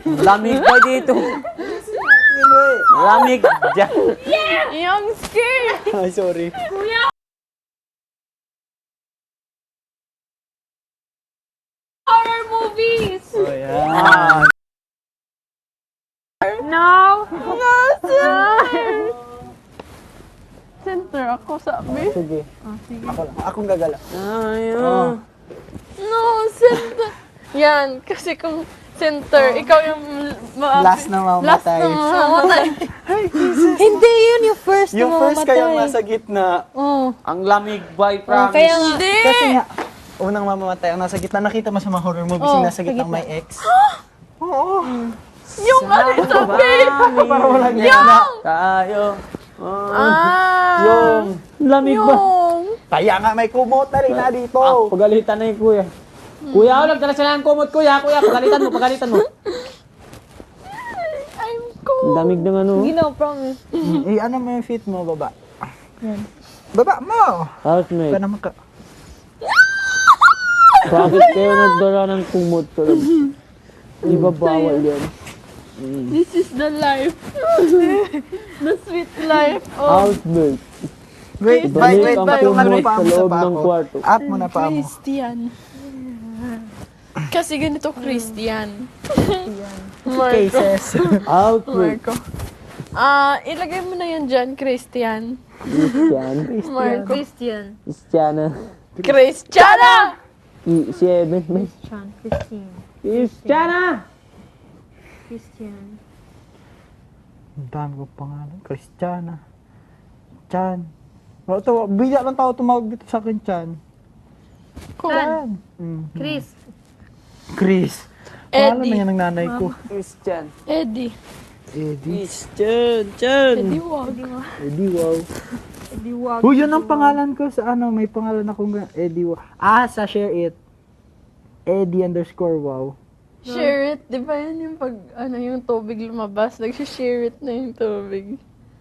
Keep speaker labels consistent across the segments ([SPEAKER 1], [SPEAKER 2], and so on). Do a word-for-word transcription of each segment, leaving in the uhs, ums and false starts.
[SPEAKER 1] Lamig ba dito? Lamig dyan.
[SPEAKER 2] Yung scared!
[SPEAKER 3] Ay, sorry.
[SPEAKER 2] Kuya! Horror movies!
[SPEAKER 3] Oh, yan.
[SPEAKER 2] No! No, center! Center ako sabi.
[SPEAKER 3] Sige.
[SPEAKER 2] Ah, sige.
[SPEAKER 3] Ako lang. Akong gagala.
[SPEAKER 1] Ayun.
[SPEAKER 2] No, center! Yan, kasi kung center, ikaw yung ma-
[SPEAKER 3] Last na
[SPEAKER 2] Last
[SPEAKER 3] mamatay.
[SPEAKER 2] na mamamatay.
[SPEAKER 4] Hindi, yun yung first
[SPEAKER 3] Yung
[SPEAKER 4] na
[SPEAKER 3] first
[SPEAKER 4] mamamatay.
[SPEAKER 3] kayong nasa gitna.
[SPEAKER 4] Oh.
[SPEAKER 1] Ang lamig ba, I
[SPEAKER 4] Oh,
[SPEAKER 1] promise?
[SPEAKER 4] kaya nga.
[SPEAKER 2] Hindi!
[SPEAKER 3] Kasi nga, unang mamamatay ang nasa gitna. Nakita mo sa mga horror movies
[SPEAKER 4] Oh,
[SPEAKER 3] yung nasa
[SPEAKER 4] sa
[SPEAKER 3] gitna
[SPEAKER 4] gitna.
[SPEAKER 3] may ex. Oo.
[SPEAKER 2] Yung ano sabi!
[SPEAKER 3] Para walang gitna.
[SPEAKER 1] Tayo. Oh.
[SPEAKER 2] Ah!
[SPEAKER 1] Yung lamig ba?
[SPEAKER 2] Yung!
[SPEAKER 3] Kaya nga may kumot na rin na dito.
[SPEAKER 1] Ah, pagalitan na yung kuya. Kuya, oh, nagdala siya ng kumot, kuya. Kuya, pagalitan mo, pagalitan mo.
[SPEAKER 2] I'm
[SPEAKER 1] Ang
[SPEAKER 2] cold!
[SPEAKER 1] damig ng ano.
[SPEAKER 4] Hindi na, promise.
[SPEAKER 3] Mm, eh, ano mo yung fit mo, baba? Baba mo!
[SPEAKER 1] Housemate,
[SPEAKER 3] Ka naman ka.
[SPEAKER 1] bakit kayo nagdala ng kumot? Di ba bawal yan?
[SPEAKER 2] This is the life. The sweet life of
[SPEAKER 1] Housemate.
[SPEAKER 3] Wait, wait,
[SPEAKER 1] Ibalik
[SPEAKER 3] wait.
[SPEAKER 1] ang
[SPEAKER 3] Ba't yung ano
[SPEAKER 1] kumot
[SPEAKER 3] pa
[SPEAKER 1] sa
[SPEAKER 3] mo sa
[SPEAKER 1] loob
[SPEAKER 3] paa
[SPEAKER 1] ng
[SPEAKER 3] ko?
[SPEAKER 1] kwarto.
[SPEAKER 3] Up mo na pa mo.
[SPEAKER 2] Christian. Kasi ganito Christian.
[SPEAKER 3] Two
[SPEAKER 2] Marco.
[SPEAKER 3] cases.
[SPEAKER 1] Housemate.
[SPEAKER 2] Marco. Ah, ilagay mo na yan dyan, Christian.
[SPEAKER 1] Christian.
[SPEAKER 2] Marco.
[SPEAKER 4] Christian.
[SPEAKER 1] Christiana.
[SPEAKER 2] Christiana!
[SPEAKER 1] I- Seven.
[SPEAKER 4] Christian. Christian.
[SPEAKER 1] Christiana!
[SPEAKER 4] Christian.
[SPEAKER 3] Ang dami ko pangalan. Christiana. Chan. Wala to, bigla lang tao tumawag dito sa akin, Chan.
[SPEAKER 4] Chan.
[SPEAKER 3] Mm.
[SPEAKER 4] Chris.
[SPEAKER 3] Chris. Pangalan
[SPEAKER 2] Eddie.
[SPEAKER 3] na yan ng nanay ko.
[SPEAKER 1] Christian.
[SPEAKER 2] Eddie.
[SPEAKER 3] Eddie.
[SPEAKER 1] Christian. Chan.
[SPEAKER 2] Eddie wag.
[SPEAKER 3] Eddie, wow.
[SPEAKER 4] Eddie Wag.
[SPEAKER 3] Oh, yun ang pangalan ko sa ano, may pangalan akong ga- Eddie, wow. Ah, sa share it. Eddie underscore wow.
[SPEAKER 2] Share it. Di ba yan yung pag, ano, yung tubig lumabas? Nag-share it na yung tubig.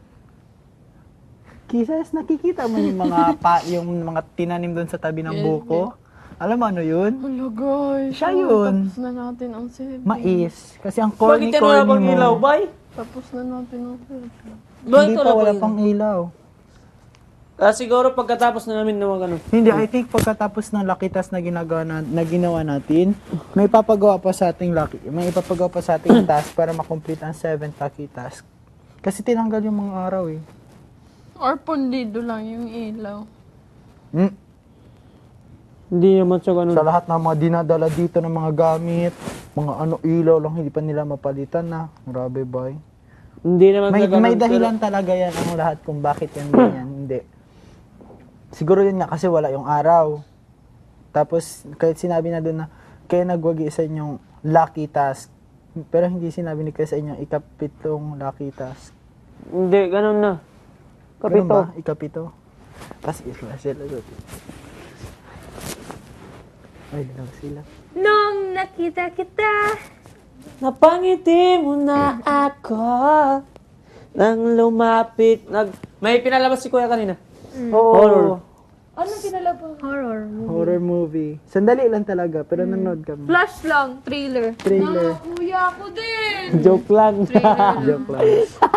[SPEAKER 3] Kisas, nakikita mo yung mga pa, yung mga tinanim doon sa tabi ng
[SPEAKER 2] Yes,
[SPEAKER 3] buko? Alam mo ano yun?
[SPEAKER 2] Hala guys.
[SPEAKER 3] Siya
[SPEAKER 2] oh,
[SPEAKER 3] yun.
[SPEAKER 2] Tapos na natin ang seven.
[SPEAKER 3] Mais. Kasi ang
[SPEAKER 1] Bakit yan wala
[SPEAKER 3] corny-corny
[SPEAKER 1] pang ilaw,
[SPEAKER 3] mo.
[SPEAKER 1] bay?
[SPEAKER 2] Tapos na natin ang seven.
[SPEAKER 3] Hindi pa wala pang ilaw.
[SPEAKER 1] Ah, siguro pagkatapos na namin na mag ano.
[SPEAKER 3] Hindi, I think pagkatapos ng lucky task na ginagawa na, na ginawa natin, may papagawa pa sa ating lucky, may ipapagawa pa sa ating task para makomplete ang seventh lucky task. Kasi tinanggal yung mga araw eh.
[SPEAKER 2] Or pundido lang yung ilaw.
[SPEAKER 3] Hmm.
[SPEAKER 1] Hindi naman siya ganun.
[SPEAKER 3] Sa lahat ng mga dinadala dito ng mga gamit, mga ano ilaw lang hindi pa nila mapalitan na. Grabe boy.
[SPEAKER 1] Hindi naman
[SPEAKER 3] May,
[SPEAKER 1] siya ganun.
[SPEAKER 3] may dahilan talaga yan ang lahat kung bakit yan ganyan. Hindi. Siguro yun nga kasi wala yung araw. Tapos kahit sinabi na doon na kaya nagwagi sa inyong lucky task. Pero hindi sinabi ni kayo sa inyong ikapitong lucky task.
[SPEAKER 1] Pero, hindi, ganun na.
[SPEAKER 3] Ganun
[SPEAKER 1] Kapito.
[SPEAKER 3] ba? Ikapito? Tapos isla sila doon. Ay, dilaw sila.
[SPEAKER 4] Nung nakita kita.
[SPEAKER 1] Napangiti mo na ako nang lumapit. Nag... May pinalabas si Kuya kanina. Horror.
[SPEAKER 4] Anong pinalabas? Horror.
[SPEAKER 3] Horror movie. Sandali lang talaga, pero nanood kami.
[SPEAKER 4] Flash lang. Thriller.
[SPEAKER 3] Trailer.
[SPEAKER 2] Kuya ako din!
[SPEAKER 1] Joke lang.
[SPEAKER 3] Joke lang.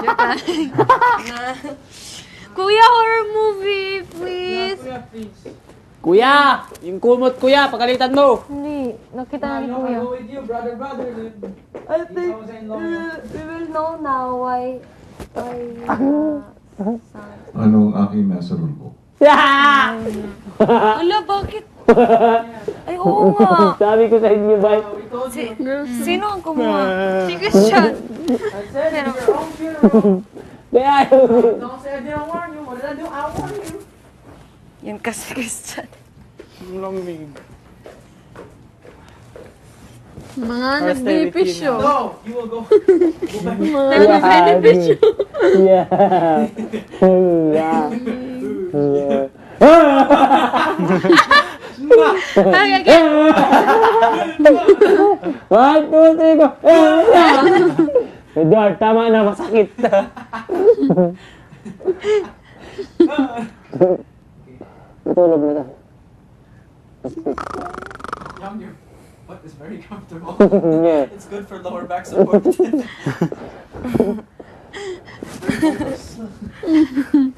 [SPEAKER 4] Kuya, horror movie, please.
[SPEAKER 1] Kuya! Yung kumot, kuya, pagalitan mo!
[SPEAKER 4] Hindi. Nakita na ni Kuya.
[SPEAKER 1] with you, brother, brother.
[SPEAKER 4] I think uh, we will know now why why uh, son.
[SPEAKER 5] Ano ang aking nasa rulbo?
[SPEAKER 4] Ala, bakit? Ay, oo nga.
[SPEAKER 1] Sabi ko sa inyo, bay.
[SPEAKER 4] Si, sino ang kumuha? Si Christian. Pero,
[SPEAKER 1] Kaya,
[SPEAKER 4] yan kasi Christian.
[SPEAKER 3] Lamig.
[SPEAKER 2] Mga nagbenepisyo.
[SPEAKER 1] yeah,
[SPEAKER 2] Nagbenepisyo.
[SPEAKER 1] yeah. yeah. yeah.
[SPEAKER 4] Ay, again.
[SPEAKER 1] One, two, three, go! Edward, tama na, masakit. Tutulog na tayo. What is very comfortable?
[SPEAKER 3] Yeah.
[SPEAKER 1] It's good for lower back support. It's very focused.